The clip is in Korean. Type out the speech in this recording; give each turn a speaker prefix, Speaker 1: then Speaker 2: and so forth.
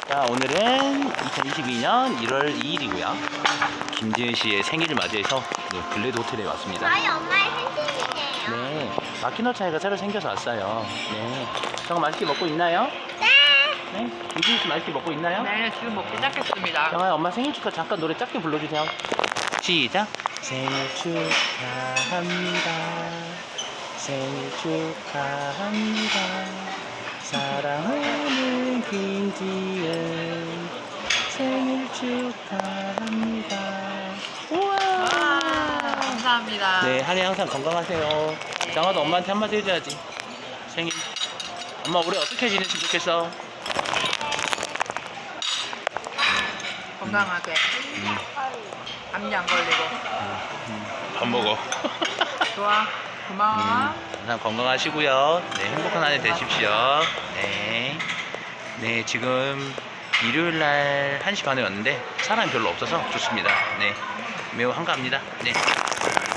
Speaker 1: 자, 오늘은 2022년 1월 2일이고요. 김지은 씨의 생일을 맞이해서 블레드 호텔에 왔습니다.
Speaker 2: 저희 엄마의 생신이에요.
Speaker 1: 네, 마키노차이가 새로 생겨서 왔어요. 네, 정아 맛있게 먹고 있나요?
Speaker 2: 네.
Speaker 1: 네, 김지은 씨 맛있게 먹고 있나요?
Speaker 3: 네, 지금 먹기 시작했습니다.
Speaker 1: 정아, 엄마 생일 축하 잠깐 노래 짧게 불러주세요. 시작. 생일 축하합니다. 생일 축하합니다. 사랑하는 김지은 생일 축하합니다. 우와.
Speaker 3: 감사합니다.
Speaker 1: 네, 한해 항상 건강하세요. 장아도 엄마한테 한마디 해줘야지. 생일. 엄마 올해 어떻게 지냈으면 좋겠어?
Speaker 3: 건강하게. 감기 안 걸리고.
Speaker 1: 밥 먹어.
Speaker 3: 좋아. 고마워.
Speaker 1: 항상 건강하시고요. 네, 행복한 한 해 되십시오. 네. 네, 지금 일요일 날 1시 반에 왔는데 사람이 별로 없어서 좋습니다. 네. 매우 한가합니다. 네.